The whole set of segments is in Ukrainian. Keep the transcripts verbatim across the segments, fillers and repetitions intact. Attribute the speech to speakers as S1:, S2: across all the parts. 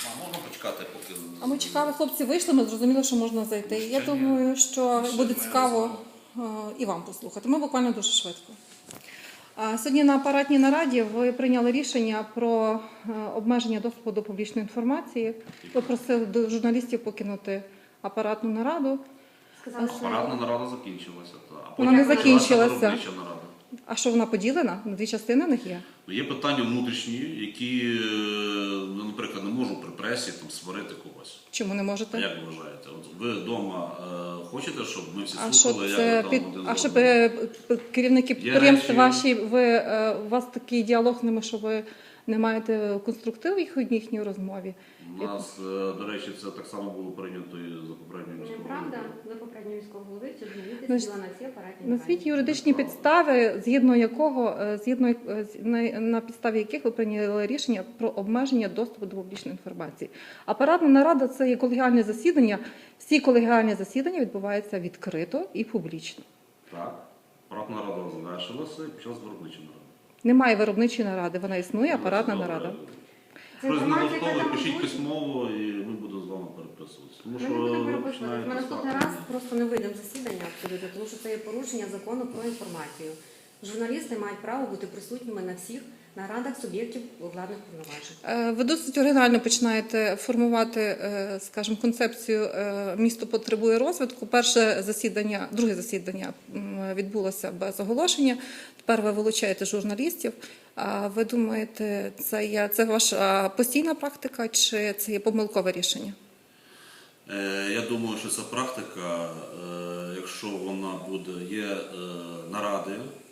S1: А можна почекати, поки...
S2: А ми чекали, хлопці вийшли, ми зрозуміли, що можна зайти. Я
S1: Ще ні.
S2: думаю, що
S1: Ще
S2: буде
S1: ми
S2: цікаво е, і вам послухати. Ми буквально дуже швидко. А сьогодні на апаратній нараді ви прийняли рішення про е, обмеження доступу до публічної інформації. Ви просили до журналістів покинути апаратну нараду.
S1: Апаратна нарада закінчилася. Та. А
S2: Вона не
S1: потім
S2: закінчилася.
S1: почалася виробнича нарада.
S2: А що вона поділена? На дві частини в них є?
S1: Ну, є питання внутрішні, які, е, ну, наприклад, не можу при пресі там, сварити когось.
S2: Чому не
S1: А
S2: можете?
S1: як ви вважаєте? От ви вдома е, хочете, щоб ми всі
S2: А
S1: слухали,
S2: що
S1: як
S2: це
S1: ви
S2: під...
S1: там один з
S2: А щоб
S1: одним?
S2: е, п- керівники підприємств
S1: речі-
S2: ваші, ви е, у вас такий діалог з ними, що ви не маєте конструктиву їх у їхній розмові?
S1: У нас, е, до речі, це так само було прийнято і за попередньою міською
S3: Неправда,
S1: радою.
S3: за попереднього міського голови ці журналісти
S2: Ну,
S3: сиділа на всі апаратні
S2: Назвіть
S3: нараді.
S2: юридичні підстави, згідно якого е, згідно е, з- на, на підставі яких ви прийняли рішення про обмеження доступу до публічної інформації. Апаратна нарада це є колегіальне засідання. Всі колегіальні засідання відбуваються відкрито і публічно.
S1: Так. Апаратна рада завершилася і почалась виробнича нарада.
S2: Немає виробничої наради, вона існує, апаратна
S1: Добре.
S2: нарада.
S3: Це
S1: Хтось не
S3: інформація, яка
S1: готовий,
S3: там
S1: пишіть
S3: озвучена.
S1: письмово і ми будемо з вами переписуватися. Тому
S3: Ми
S1: що
S3: не будемо
S1: ви
S3: переписувати.
S1: починаєте
S3: Ми наступний
S1: слухати.
S3: раз просто не вийдемо з засідання абсолютно, тому що це є порушення закону про інформацію. Журналісти мають право бути присутніми на всіх нарадах суб'єктів владних повноважень.
S2: Е, Ви досить оригінально починаєте формувати, е, скажімо, концепцію е, «Місто потребує розвитку». Перше засідання, друге засідання м, відбулося без оголошення. Тепер ви вилучаєте журналістів. А ви думаєте, це є це ваша постійна практика чи це є помилкове рішення?
S1: Е, Я думаю, що ця практика, е, якщо вона буде, є е, наради,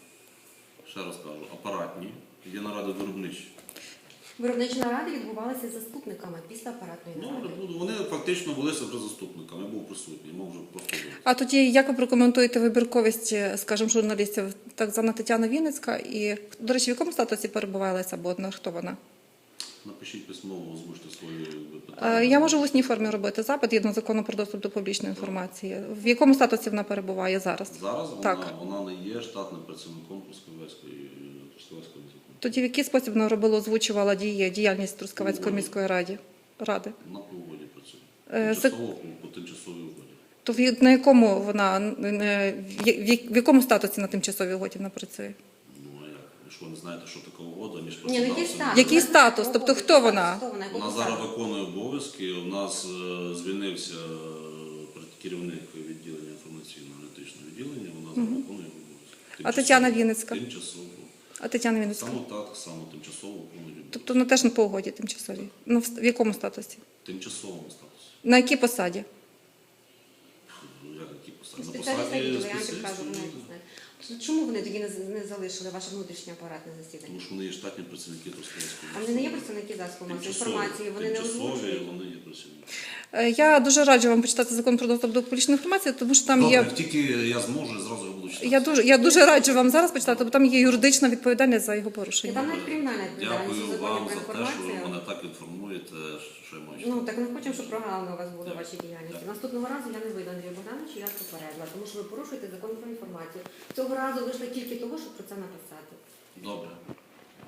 S1: ще раз кажу, апаратні, є наради виробничі.
S3: Виробничі наради відбувалися з заступниками після апаратної
S1: Ну,
S3: наради.
S1: буду- вони фактично велися вже заступниками, я був присутній, мав вже просто бути.
S2: А тоді як ви прокоментуєте вибірковість, скажімо, журналістів? Так звана Тетяна Вінницька і, до речі, в якому статусі перебуває Леся Боднар? Хто вона?
S1: Напишіть письмово, озвучте свої
S2: Е,
S1: питання.
S2: Я можу в усній формі робити запит згідно закону про доступ до публічної інформації. В якому статусі вона перебуває зараз?
S1: Зараз вона,
S2: Так.
S1: вона не є штатним працівником Трускавецької Трускавецької міської.
S2: Тоді в який спосіб вона робила, озвучувала дії, діяльність Трускавецької міської ради? ради?
S1: На погоді працює.
S2: Е, це-
S1: Тимчасово по, по тимчасовій угоді.
S2: То в- на якому вона е, в я- в якому статусі на тимчасовій угоді вона працює?
S1: Ну а як? Якщо ви не знаєте, що таке угода, ніж
S3: Ні, ну який
S1: працював,
S3: статус?
S2: Який статус? Тобто хто вона?
S3: Хто вона? Яку
S1: Вона
S3: посаду?
S1: зараз виконує обов'язки. У нас е, звільнився е, керівник відділення інформаційно-аналітичного відділення. Вона зараз виконує обов'язки.
S2: А Тетяна Вінницька?
S1: Тимчасово.
S2: А Тетяна Вінницька?
S1: Саме так, саме тимчасово виконує обов'язки.
S2: Тобто вона теж на по угоді тимчасовій? Ну, в в якому статусі?
S1: Тимчасовому статусі.
S2: На якій посаді?
S1: Ну, як які посади? На
S3: Спеціалісти
S1: посаді
S3: відділу, я вам
S1: спеціаліста
S3: підкажу, вони
S1: відділу.
S3: не знають. Чому вони тоді не, з- не залишили ваше внутрішнє апаратне засідання?
S1: Тому що вони є штатні працівники Трускавецької
S3: А вони не є представники засобів масової
S1: Тимчасові-
S3: інформації, вони не
S1: тимчасові,
S3: озвучують.
S1: вони є працівники.
S2: Е, Я дуже раджу вам почитати закон про доступ до публічної інформації, тому що там
S1: Добре,
S2: є.
S1: як тільки я зможу, я зразу його буду читати.
S2: Я дуже, я дуже раджу вам зараз почитати, бо там є юридична відповідальність за його
S3: І
S2: порушення.
S3: там навіть кримінальна відповідальність у
S1: Дякую
S3: законі
S1: вам
S3: про
S1: за те, що ви
S3: інформацію.
S1: мене так інформуєте, що я маю
S3: Ну
S1: читати.
S3: так ми хочемо, щоб програми у вас були
S1: Так.
S3: в вашій діяльності.
S1: Так.
S3: Наступного разу я не вийду, Андрію Богдановичу, я вас попередила, тому що ви порушуєте закон про інформацію. Цього разу вийшли тільки того, щоб про це написати.
S1: Добре.